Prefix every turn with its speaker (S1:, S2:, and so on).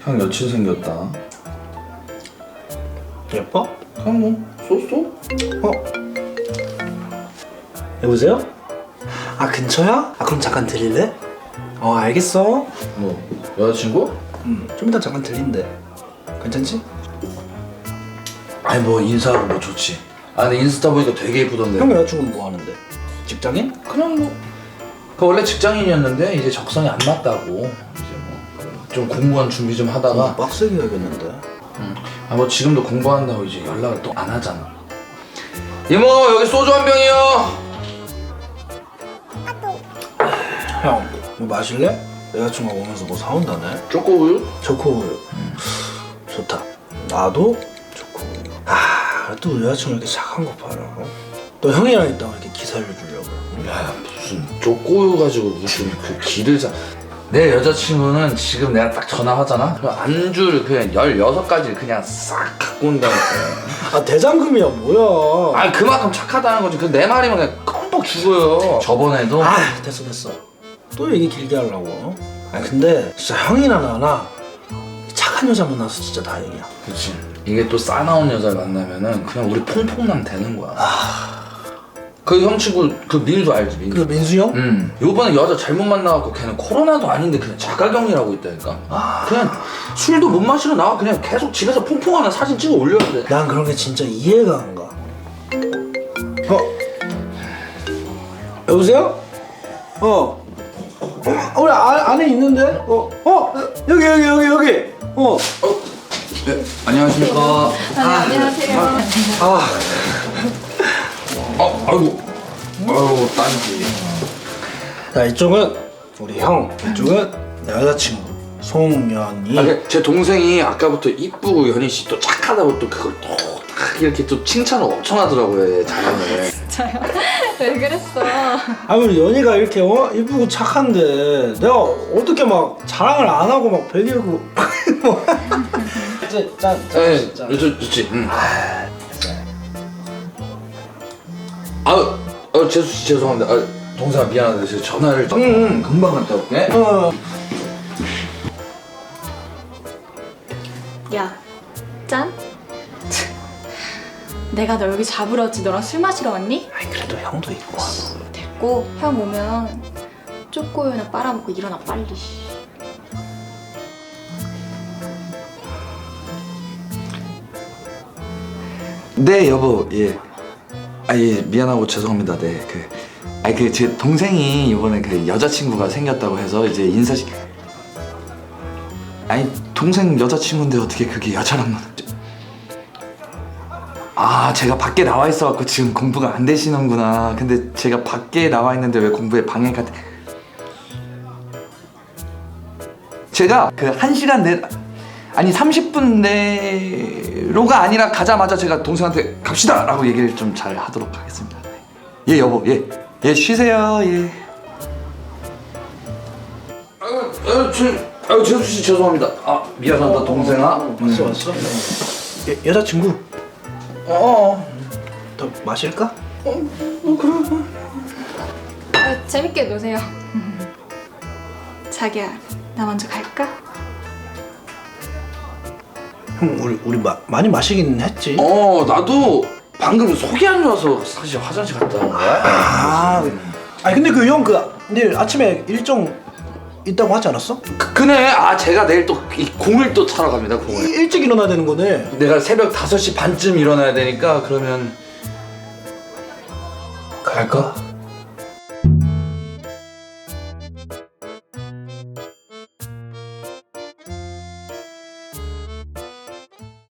S1: 형 여친 생겼다.
S2: 예뻐?
S1: 그냥 뭐 쏘쏘?
S2: 여보세요? 아 근처야? 아 그럼 잠깐 들릴래? 알겠어.
S1: 뭐 여자친구?
S2: 좀 이따 잠깐 들린대. 괜찮지?
S1: 아니 뭐 인사하고 뭐 좋지. 아 근데 인스타 보니까 되게 예쁘던데.
S2: 형 여자친구는 뭐 하는데? 직장인?
S1: 그냥 뭐. 그 원래 직장인이었는데 이제 적성이 안 맞다고 이제 뭐 좀 공무원 준비 좀 하다가
S2: 빡세게 해야겠는데.
S1: 아 뭐 지금도 공부한다고 이제 연락을 또 안 하잖아. 이모 여기 소주 한 병이요.
S2: 형, 뭐 마실래? 여자친구가 오면서 뭐 사온다네.
S1: 초코우유?
S2: 초코우유. 좋다. 나도 초코우유. 또 우리 여자친구 이렇게 착한 거 봐라. 또 형이랑 있다가 이렇게 기살려 주려고.
S1: 야 무슨 초코우유 가지고 무슨 그 기를 자. 내 여자친구는 지금 내가 딱 전화하잖아? 그 안주를 그냥 16가지를 그냥 싹 갖고 온다니까.
S2: 대장금이야 뭐야.
S1: 아니 그만큼 착하다는 거지. 그 내 말이면 그냥 껌뻑 죽어요. 저번에도
S2: 됐어. 또 얘기 길게 하려고. 근데 진짜 형이나 나나 착한 여자 만나서 진짜 다행이야.
S1: 그치. 이게 또 싸나운 여자를 만나면은 그냥 우리 퐁퐁남 되는 거야. 그 형 친구 그 민수 알지? 민수.
S2: 그 민수 형?
S1: 요번에 여자 잘못 만나갖고 걔는 코로나도 아닌데 그냥 자가격리라고 있다니까. 그냥 술도 못 마시러 나와. 그냥 계속 집에서 퐁퐁하는 사진 찍어 올려야 돼.
S2: 난 그런 게 진짜 이해가 안 가. 여보세요? 우리 안에 있는데? 여기.
S1: 네, 안녕하십니까.
S3: 안녕하세요.
S1: 아이고 딸기.
S2: 자, 이쪽은 우리 형, 이쪽은 내 여자친구 송연이.
S1: 제 동생이 아까부터 이쁘고 연희 씨 또 착하다고 또 그걸 또 딱 이렇게 또 칭찬을 엄청 하더라고요. 잘하네.
S3: 진짜요? 왜 그랬어?
S2: 우리 연희가 이렇게 이쁘고 착한데 내가 어떻게 막 자랑을 안 하고 막 배기고 이제 짠.
S1: 좋지. 재수 씨 죄송합니다. 동생아 미안한데 제가 전화를 금방 갔다 올게.
S3: 야, 짠? 내가 너 여기 잡으러 왔지 너랑 술 마시러 왔니?
S2: 그래도 형도 있고.
S3: 됐고, 형 오면 쪼꼬우유나 빨아먹고 일어나 빨리.
S1: 네 여보. 예. 예 미안하고 죄송합니다. 네 제 동생이 이번에 그 여자친구가 생겼다고 해서 이제 인사식. 동생 여자친구인데 어떻게 그게 여자랑 제가 밖에 나와 있어갖고 지금 공부가 안 되시는구나. 근데 제가 밖에 나와 있는데 왜 공부에 방해가 돼? 제가 그 1시간 내 30분 내로가 아니라 가자마자 제가 동생한테 갑시다 라고 얘기를 좀 잘 하도록 하겠습니다. 예 여보. 예 쉬세요. 예. 재수씨 죄송합니다. 미안하다 동생아.
S2: 왔어? 여자친구? 더 마실까?
S1: 그래.
S3: 재밌게 노세요. 자기야, 나 먼저 갈까?
S2: 형 우리 많이 마시긴 했지.
S1: 나도 방금 속이 안 좋아서 사실 화장실 갔다 온 거야.
S2: 근데 그 형 내일 아침에 일정 있다고 하지 않았어?
S1: 그네. 제가 내일 또 이 공을 또 차러 갑니다. 공을.
S2: 일찍 일어나야 되는 거네.
S1: 내가 새벽 5시 반쯤 일어나야 되니까 그러면
S2: 갈까?